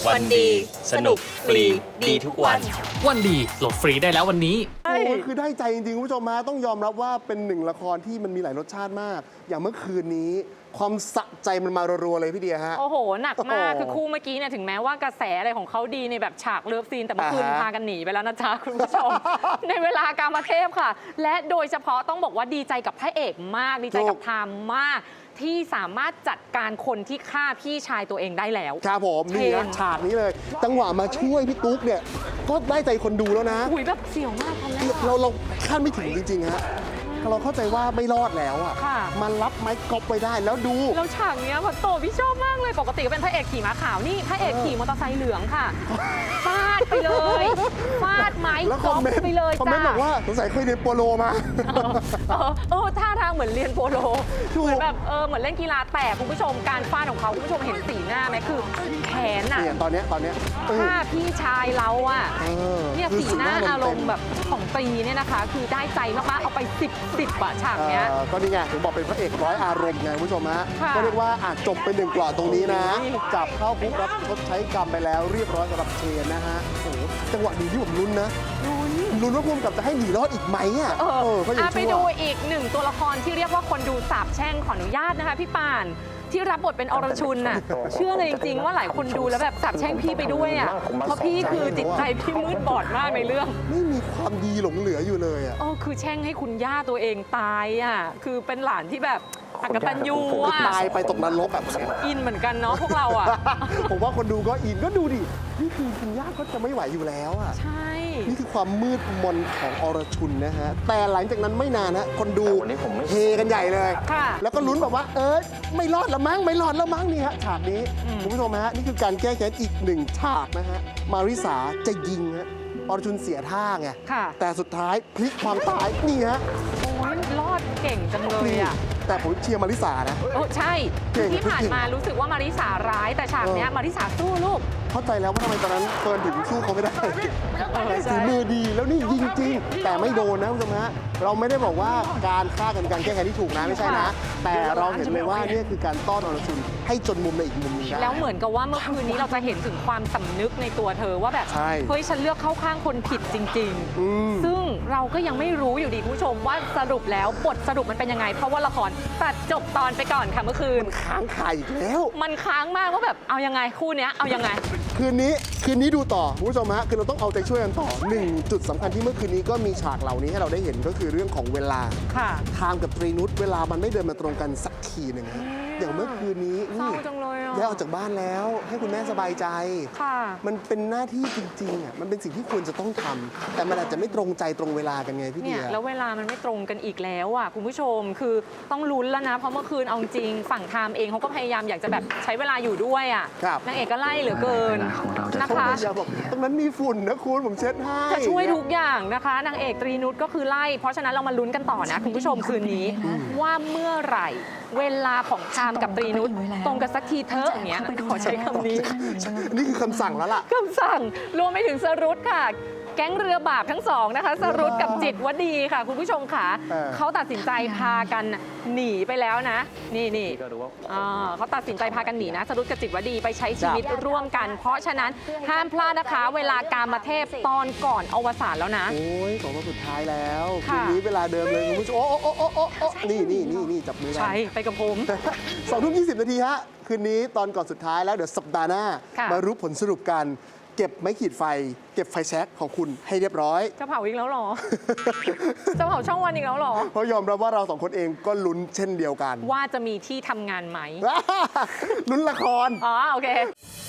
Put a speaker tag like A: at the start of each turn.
A: วันดีสนุกฟรีดีทุกวัน
B: วันดีโหลดฟรีได้แล้ววันนี้
C: โอ้คือได้ใจจริงๆคุณผู้ชมฮะต้องยอมรับว่าเป็นหนึ่งละครที่มันมีหลายรสชาติมาก อย่างเมื่อคืนนี้ ความสะใจมันมารัวๆเลยพี่เดียฮะ
D: โอ้โห หนักมาก
C: โอ้โห
D: คือคู่เมื่อกี้เนี่ยถึงแม้ว่ากระแสอะไรของเขาดีในแบบฉากเลิฟซีนแต่เมื่อคืนพากันหนีไปแล้วนะจ๊ะคุณผู้ชม ในเวลากามเทพค่ะ และโดยเฉพาะต้องบอกว่าดีใจกับพระเอกมาก ดีใจกับไทม์มาก ที่สามารถจัดการคนที่ฆ่าพี่ชายตัวเองได้แล้ว
C: ครับผมนี่นะฉากนี้เลย จังหวะมาช่วยพี่ตุ๊กเนี่ยก็ได้ใจคนดูแล้วนะ
D: หุยแบบเสียวมากตอนแรก
C: เราคาดไม่ถึงจริงๆฮะเราเข้าใจว่าไม่รอดแล้วอ่ะ
D: ค่ะ
C: มันรับไม้กอล์ฟไว้ได้แล้วดู
D: แล้วฉากเนี้ยพันโตพี่ชอบมากเลย ปกติก็เป็นพระเอกขี่ม้าขาวนี่พระเอกขี่มอเตอร์ไซค์เหลืองค่ะฟาดไปเลยฟาดไม้
C: แล้ว
D: ก
C: ค
D: อ
C: อม
D: ล์ฟ
C: เมนต์
D: ไปเลย
C: คอมเมนต์บ
D: จ้า
C: อกว่าสงสัยเคยเรียนโปโลมา
D: ท่าทางเหมือนเรียนโปโล
C: ถูก
D: เหมือนแบบเหมือนเล่นกีฬาแต่คุณผู้ชมการฟาดของเขาคุณผู้ชมเห็นสีหน้าไหมคือแขนอ่ะ
C: เนี่ยตอนเนี้ย
D: ถ้าพี่ชายเราอ่ะ
C: เออ
D: เนี่ย
C: คือ
D: สีหน้า
C: สีหน้า
D: อารม
C: เต็
D: ณ์
C: ม
D: แบบของตรีเนี่ยนะคะ คือได้ใจมากๆเอาไป10อะฉากเนี้ย
C: ก็นี่ไงถึงบอกเป็นพระเอกร้อยอารมณ์ไงคุณผู้ชมฮะ
D: ค่ะ
C: ก็เรียกว่าจบไปหนึ่งกล่อตรงนี้นะ
D: โอ้ย
C: จับเข้าคุกรับชดใช้กรรมไปแล้วเรียบร้อยสำหรับเชนนะฮะโอ้โหจังหวะดีที่ผมลุ้นนะลุ้นว่าพุ่มกับจะให้หนีรอดอีกไหมอ่ะก็ยัง
D: ไป
C: ชั่
D: ดู
C: ว
D: อีกหนึ่งตัวละครที่เรียกว่าคนดูสาบแช่งขออนุญาตนะคะพี่ป่านที่รับบทเป็นอรชุนน่ะเชื่อเลยจริงๆว่าหลายคนดูแล้วแบบสาบแช่งพี่ไปด้วยอ่ะเพราะพี่คือจิตใจพี่มืดบอดมากในเรื่อง
C: ไม่มีความดีหลงเหลืออยู่เลยอ่ะ
D: คือแช่งให้คุณย่าตัวเองตายอ่ะคือเป็นหลานที่แบบอกตัญญูอ่ะ
C: ตายไปตกนรกแบบนี้
D: อินเหมือนกันเนาะพวกเราอ่ะ
C: ผมว่าคนดูก็อินก็ดูดินี่คือคุณย่าก็จะไม่ไหวอยู่แล้วอ่ะ
D: ใช่
C: นี่คือความมืดมนของอรชุนนะฮะ แต่หลังจากนั้นไม่นานนะคนดูเฮกันใหญ่เลย
D: ค่ะ
C: แล้วก็ลุ้นแบบว่าไม่รอดแล้วมั้งไม่รอดแล้วมั้งนี่ฮะฉากนี้คุณผู้ชมฮะนี่คือการแก้แค้นอีกหนึ่งฉากนะฮะมาริสาจะยิงฮะอรชุนเสียท่าไง
D: ค่ะ
C: แต่สุดท้ายพลิกความตายนี่ฮะ
D: โอ้ยรอดเก่งจังเลยอ่ะ
C: แต่ผมเชียร์มาริสานะ
D: ใช่
C: เก่ง
D: ที่ผ่านมารู้สึกว่ามาริสาร้ายแต่ฉากเนี้ยมาริสาสู้ลูก
C: เข้าใจแล้วว่าทำไมตอนนั้นเฟิร์นถึงสู้เขาไม่ได้
D: ใช่
C: ฝีมือดีแล้วนี่ยิงจริง แต่ไม่โดนนะคุณผู้ชมฮะเราไม่ได้บอกว่าการฆ่ากันการแก้แค้นที่ถูกนะไม่ใช่นะ แต่เราเห็นเลยว่านี่คือการต้อนอรชุนให้จนมุมในอีกมุมหนึงได้
D: แล้วเหมือนกับว่าเมื่อคืนนี้เราจะเห็นถึงความสำนึกในตัวเธอว่าแบบ
C: ใช่
D: เฮ้ยฉันเลือกเข้าข้างคนผิดจริง
C: อืม
D: ๆ ซึ่งเราก็ยังไม่รู้อยู่ดีคุณผู้ชมว่าสรุปแล้วบทสรุปมันเป็นยังไง เพราะว่าละครตัดจบตอนไปก่อนค่ะเมื่อคืน
C: มันค้างคาอีกแล้ว
D: มันค้างมากว่าแบบเอายังไงคู่เนี้ยเอายังไง
C: คืนนี้ดูต่อคุณผู้ชมฮะคือเราต้องเอาใจช่วยกันต่อหนึ่งจุดสำคัญที่เมื่อคืนนี้ก็มีฉากเหล่านี้ให้เราได้เห็นก็คือเรื่องของเวลา
D: ค่ะ
C: ไทม์กับตรีนุชเวลามันไม่เดินมาตรงกันสักทีหนึ่งฮะอย่างเมื่อคืนนี้
D: เศร้าจังเลยอ่ะ
C: ย้ายออกจากบ้านแล้วให้คุณแม่สบายใจ
D: ค่ะ
C: มันเป็นหน้าที่จริงๆอ่ะมันเป็นสิ่งที่ควรจะต้องทำแต่มันอาจจะไม่ตรงใจตรงเวลากันไงพี่
D: เนี่
C: เดี
D: ย
C: ย
D: แล้วเวลามันไม่ตรงกันอีกแล้วอ่ะคุณผู้ชมคือต้องลุ้นแล้วนะ เพราะเมื่อคืนเอาจริงฝั่งไทม์เองเขาก็พยายามอยากจะแบบใช้เวลาอยู่ด้วยอ่ะ
C: ครับ
D: นางเอกก็ไล่เหลือเกินนะคะ
C: อย่าบอกตรงนั้นมีฝุ่นนะคุณผมเช็ดให้
D: จะช่วยทุกอย่างนะคะนางเอกตรีนุชก็คือไล่ เพราะฉะนั้นเรามาลุ้นกันต่อนะคุณผู้ชมคืนนี้ว่าเมื่อไหร่ เวลาของไทม์กับตรีนุชตรงกันสักทีเถอะอย่างเงี้ยขอใช้คำนี้
C: นี่คือคำสั่งแล้วล่ะ
D: คำสั่งรวมไปถึงสรุตค่ะ แก๊งเรือบาปทั้งสองนะคะสรุตกับจิตวดีค่ะ คุณผู้ชมค่ะ เขาตัดสินใจพากันหนีไปแล้วนะ นี่เขาตัดสินใจพากันหนีนะสรุตกับจิตวดีไปใช้ชีวิตร่วมกัน เพราะฉะนั้นห้ามพลาดนะคะ เวลากามเทพตอนก่อนอวสานแล้วนะ
C: โอ้ยสองวันสุดท้ายแล้วคื
D: ค่ะ
C: นนี้เวลาเดิมเลยคุณผู้ชมโอ้นี่จับมือกัน
D: ใช่ไปกับผม
C: 2:20 น.ฮะคืนนี้ตอนก่อนสุดท้ายแล้วเดี๋ยวสัปดาห์หน้า
D: ค่ะ
C: มารู้ผลสรุปกันเก็บไม้ขีดไฟ เก็บไฟแช็กของคุณให้เรียบร้อย
D: จะเผาอีกแล้วเหรอ จะเผาช่องวันอีกแล้วเหรอ
C: เพราะยอมรับว่าเราสองคนเองก็ลุ้นเช่นเดียวกัน
D: ว่าจะมีที่ทำงานไหม
C: ลุ้นละคร
D: อ๋อโอเค